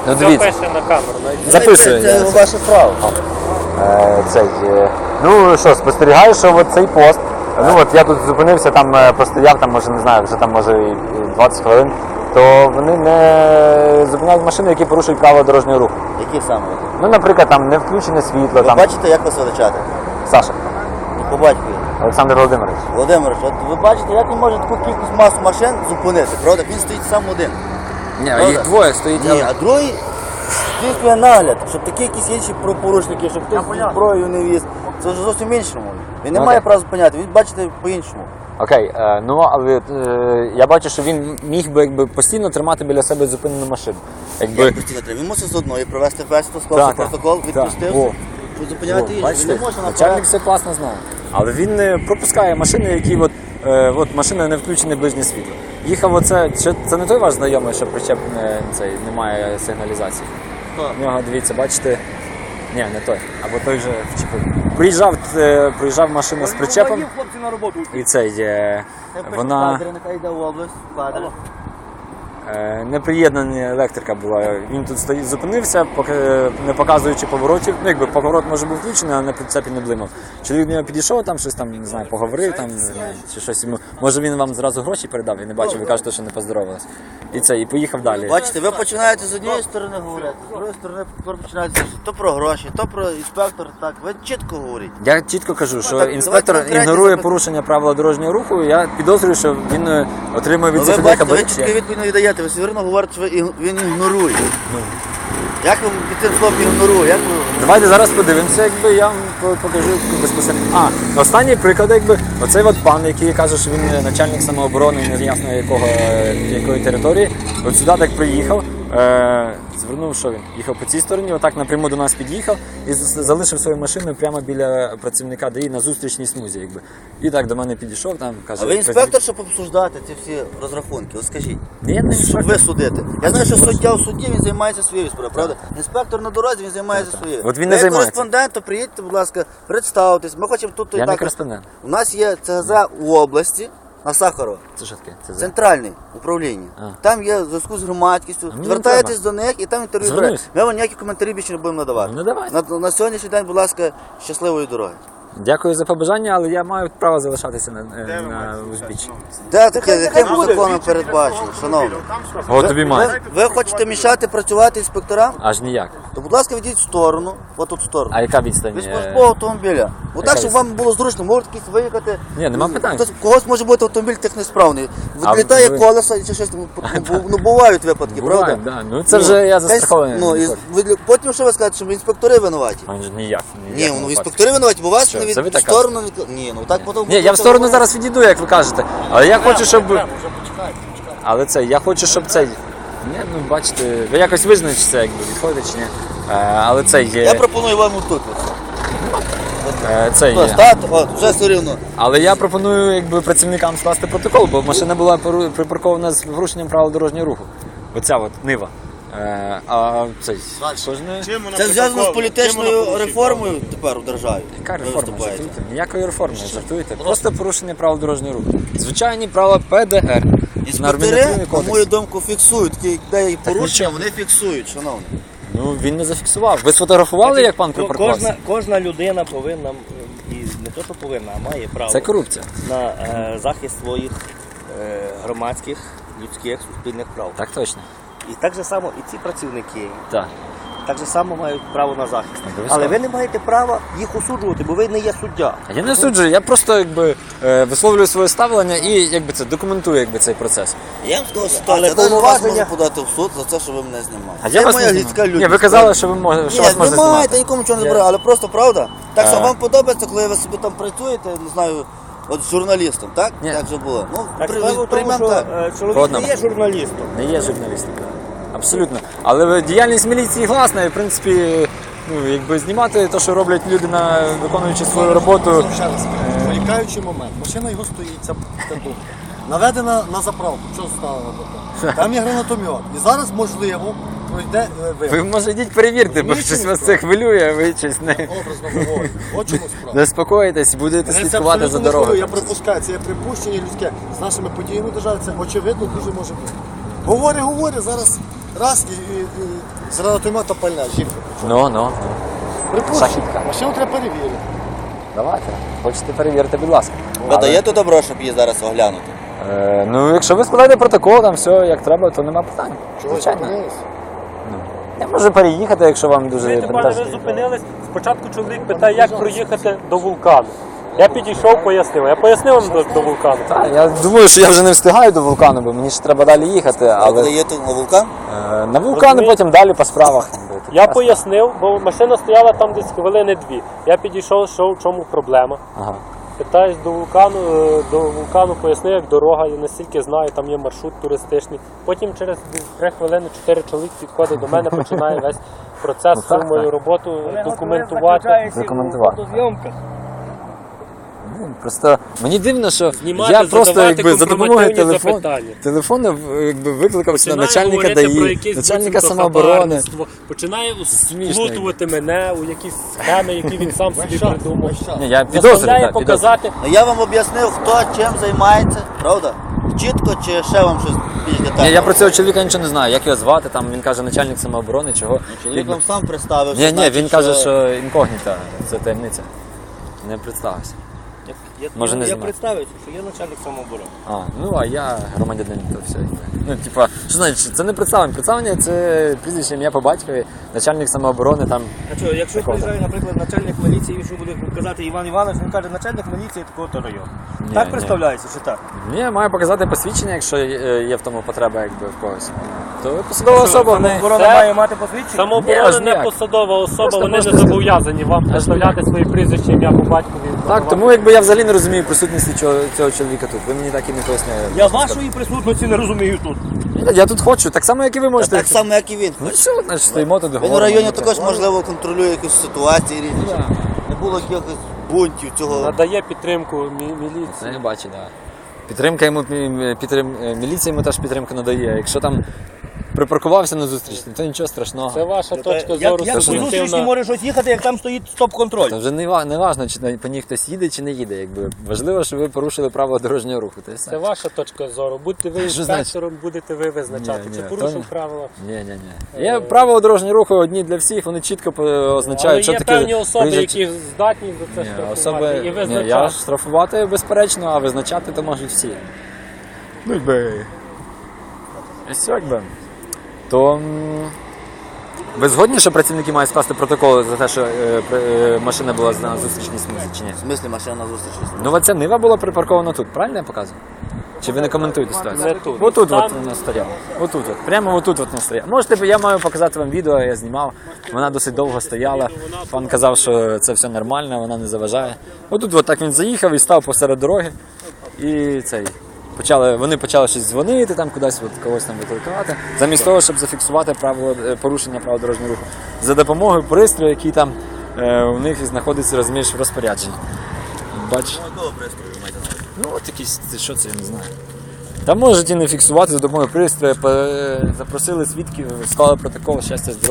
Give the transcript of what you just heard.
Ну Все дивіться, пише на камеру. записує. Це ваше право. Ну що, спостерігаю, що от цей пост, ну от я тут зупинився, там постояв, там може, не знаю, вже там може і 20 хвилин, то вони не зупиняють машини, які порушують правила дорожнього руху. Які саме? Ну, наприклад, там не включене світло, Ви там бачите, як вас величати? Саша, По батькові. Олександр Володимирович. Володимир, от ви бачите, як він може таку кількість масу машин зупинити, правда? Він стоїть сам один. Ні, Правда? їх двоє стоїть. Ні, а другий здійснює нагляд, щоб такі якісь інші правопорушники, щоб хтось зброю не віз. Це вже зовсім іншому. Він не Ну, має окей. права зупиняти, він бачите по-іншому. Окей, ну але я бачу, що він міг би якби постійно тримати біля себе зупинену машину. Якби... Як постійно треба? Він мусить з одної провести бесіду, склався Так, протокол, так. відпустився, О. щоб зупиняти їх. Він Бачите, не може начальник наперед. все класно знає. Але він не пропускає машини, які от машина не включене ближнє світло. Їхав оце, це не той ваш знайомий, що причеп немає сигналізації. У нього, дивіться, бачите, ні, не той, або той же вчепив. Проїжджав машина з причепом, Хлопці на роботу. і вона Нехай йде в область, кадри. неприєднана електрика була. Він тут стоїть, зупинився, не показуючи поворотів. Ну, якби поворот може був включений, але на прицепі не блимав. Чоловік до нього підійшов, там щось там, не знаю, поговорив там, чи щось йому. Може він вам зразу гроші передав, я не бачив, ви кажете, що не поздоровалися. І поїхав далі. Бачите, ви починаєте з однієї сторони говорити, з другої сторони починаєте то про гроші, то про інспектор, так, ви чітко говорите. Я чітко кажу, що так, інспектор давайте конкретні ігнорує запитання. порушення правил дорожнього руху. Я підозрюю, що він отримує від Ви цих людей бачите, ви хабарі. чітко відповідь не віддаєте, ви все одно говорите, що він ігнорує. Як ви під цим словом ігнорує? Як ви... Давайте зараз подивимося, якби я вам покажу безпосередньо. Останній приклад, якби оцей от пан, який каже, що він начальник самооборони, не ясно якої території. От сюди так приїхав, звернув, що він їхав по цій стороні, отак напряму до нас під'їхав і залишив свою машину прямо біля працівника ДАІ на зустрічній смузі, якби. І так до мене підійшов, там каже. А ви інспектор, щоб обсуждати ці всі розрахунки? От скажіть. Ні, я не Щоб інспектор. ви судите. Я знаю, що суддя у суді, він займається своєю справою, правда? Інспектор на дорозі, він займається своєю. От він не Ви як займається. кореспондент, то приїдьте, будь ласка, представтесь. Ми хочемо тут і Я не так. кореспондент. У нас є ЦГЗ у області на Сахарова. Це що таке? Це Центральне управління. А. Там є зв'язку з громадськістю. мені не Звертаєтесь треба. до них і там інтерв'ю Звернусь. берете. Ми вам ніякі коментарі більше не будемо надавати. Ну, давайте. На сьогоднішній день, будь ласка, щасливої дороги. Дякую за побажання, але я маю право залишатися на узбіччі. Де таке, яким законом передбачено, шановні? От тобі має. Ви хочете мішати працювати інспекторам? Аж ніяк. То, будь ласка, відійдіть в сторону, отут в сторону. А яка відстань? Від службового автомобіля. Отак, щоб вам було зручно, можете якісь виїхати. Ні, нема питань. Когось може бути автомобіль технесправний. А Відлітає ви- колеса чи щось. Ну, бувають випадки, Буває, правда? да. Ну це вже я застрахований. Ну, і потім що ви скажете, що інспектори винуваті? Аж ніяк. Ні, ну інспектори винуваті, бо вас Що, не це ви від так сторону від... Ні, ну так потім... Ні, я в сторону зараз відійду, як ви кажете. Але я хочу, щоб. Але я хочу, щоб цей. Ні, ну бачите, ви якось визначите, якби відходите чи ні. Але це Я є. пропоную вам отут. Це Ось, є. так, от, вже все рівно. Але я пропоную якби працівникам скласти протокол, бо машина була припаркована з порушенням правил дорожнього руху. Оця от нива. А цей кожне. Це зв'язано з політичною реформою тепер у державі. Яка Ви реформа? виступаєте. Жартуйте? Ніякої реформи, жартуєте. Просто порушення правил дорожнього руху. Звичайні правила ПДР. Інспектори, на мою думку, фіксують, такі, де є порушення, нічого. вони фіксують, шановні. Ну він не зафіксував. Ви сфотографували, як пан припаркувався? Кожна людина повинна, і не то, що повинна, а має право Це корупція. на захист своїх громадських, людських, суспільних прав. Так точно. І так же само і ці працівники Так. так же само мають право на захист. Обов'язково. Але ви не маєте права їх осуджувати, бо ви не є суддя. А я не суджую, я просто якби висловлюю своє ставлення і якби це документую якби цей процес. Я вам сказав Але ситуацію, я навіть вас повноваження- можу подати в суд за те, що ви мене знімали. А я Це вас моя не людська знімаю. Ні, людність. ви казали, що ви можете, що вас Ні, можна ви маєте, знімати. нікому нічого не Я- забираю, але просто правда. Так само А. вам подобається, коли ви собі там працюєте, не знаю, от з журналістом, так? Ні. Так же було. Ну, Так справа в тому, приймемо що так. чоловік Ладно. не є журналістом. Не є журналістом. Абсолютно. Але діяльність міліції класна і, в принципі, ну, якби знімати те, що роблять люди, виконуючи свою роботу. Ще раз, виникаючий момент. Машина його стоїть, ця тут. Наведена на заправку. Що стало робити? Там є гранатомет. І зараз, можливо, пройде Ви, вибух. може, йдіть перевірте, бо Розумієте, щось вас що? це хвилює, ви щось не Образно говорю. От чому справа. не спокоїтесь, будете Мене це слідкувати за абсолютно не хвилює. дорогою. Я припускаю, це є припущення людське. З нашими подіями держави це очевидно дуже може бути. Говори, зараз раз і з гранатомета пальне, жінка. Ну. Припущення, Шахідка. машину треба перевірити. Давайте. Хочете перевірити, будь ласка. Ви даєте добро, щоб її зараз оглянути? Ну, якщо ви складаєте протокол, там все як треба, то нема питань. Чого Звичайно. зупинились? Я можу переїхати, якщо вам дуже Знаєте, пане, ви вантажить. зупинились, спочатку чоловік питає, як проїхати до вулкану. Я підійшов, пояснив. Я пояснив вам до вулкану. Я думаю, що я вже не встигаю до вулкану, бо мені ж треба далі їхати, Але але є тут на вулкан? на вулкан, потім далі по справах. Я пояснив, бо машина стояла там десь хвилини 2. Я підійшов, що в чому проблема. Ага. Питаюсь до вулкану пояснив, як дорога, я настільки знаю, там є маршрут туристичний. Потім через 3 хвилини 4 чоловік підходить до мене, починає весь процес, Ну, так, всю мою так. роботу документувати. Документувати. Просто мені дивно, що Знімати, я просто задавати якби за допомогою конфронтативні запитання. телефону якби викликав сюди Починає начальника говорити про ДАІ, якесь начальника буцімто самооборони. хабарництво, починає Смішно. сплутувати мене у якісь схеми, які він сам собі придумав. Ні, я підозрюю, Заставляє так, підозрюю. показати. Ну я вам об'яснив, хто чим займається, правда? Чітко чи ще вам щось більш детально? Ні, я про цього чоловіка нічого не знаю, як його звати, там він каже начальник самооборони, чого. Чоловік вам сам представився. Ні, значить, він каже, що інкогніта, це таємниця. Не представився. Може, не я знімати. представився, що я начальник самооборони. Ну а я громадянин, то все. Ну, типа, що значить, це не представлення. Представлення це прізвище ім'я по батькові, начальник самооборони там. А що, якщо Такого. приїжджає, наприклад, начальник міліції, він що буде казати Іван Іванович, він каже, начальник міліції такого-то району. Ні, Так ні. представляється, чи так? Ні, маю показати посвідчення, якщо є в тому потреба якби в когось. То посадова особа в неї. Самооборона Це- має мати посвідчення? Самооборона Ні, аж не ніяк. посадова особа, Просто вони не можете зобов'язані вам представляти свої прізвища, ім'я по батькові. Так, тому якби я взагалі не розумію присутності цього чоловіка тут. Ви мені так і не пояснили. Я вашої присутності не розумію тут. Я тут хочу, так само, як і ви можете. Так само, як і він. Ну все, значить стоїмо тут. Він у говоримо, районі ну, це. також, можливо, контролює якісь ситуації різні. Да. Не було якихось бунтів цього. Надає підтримку міліції. Це я бачу, так. Підтримка йому міліція йому теж підтримку надає. Якщо там припаркувався на зустріч, то нічого страшного. Це ваша точка Як зору по зустрічі суб'єктивна. може щось їхати, як там стоїть стоп-контроль? Це вже не важно, чи по ній хтось їде, чи не їде. Якби. Важливо, що ви порушили правила дорожнього руху. Та й все. Це ваша точка зору. Будьте ви Що інспектором, будете ви визначати, Ні, чи ні, порушив то- правила. Ні. Є правила дорожнього руху одні для всіх, вони чітко означають, Але що є таке. певні особи, проїжджач- які здатні за це Ні, штрафувати особи, і ні, я визначати. штрафувати безперечно, а визначати то можуть всі. Ну якби. Ось якби. То ви згодні, що працівники мають скласти протокол за те, що машина була на зустрічній смузі, чи ні? В смислі машина на зустрічі. Ну оця Нива була припаркована тут, правильно я показую? Чи ви не коментуєте ситуацію? Не тут. Отут Там- от вона стояла. Отут от. Прямо отут от вона стояла. Можете, я маю показати вам відео, я знімав. Вона досить довго стояла. Пан казав, що це все нормально, вона не заважає. Отут от так він заїхав і став посеред дороги. І цей. Вони почали щось дзвонити, там кудись от, когось там викликати. Замість того, щоб зафіксувати порушення правил дорожнього руху. За допомогою пристрою, який там у них знаходиться, розумієш, в розпорядженні. Бачиш? Ну от якісь, що це, я не знаю. Там можуть і не фіксувати за допомогою пристрою, запросили свідків, склали протокол, щастя, здоров'я.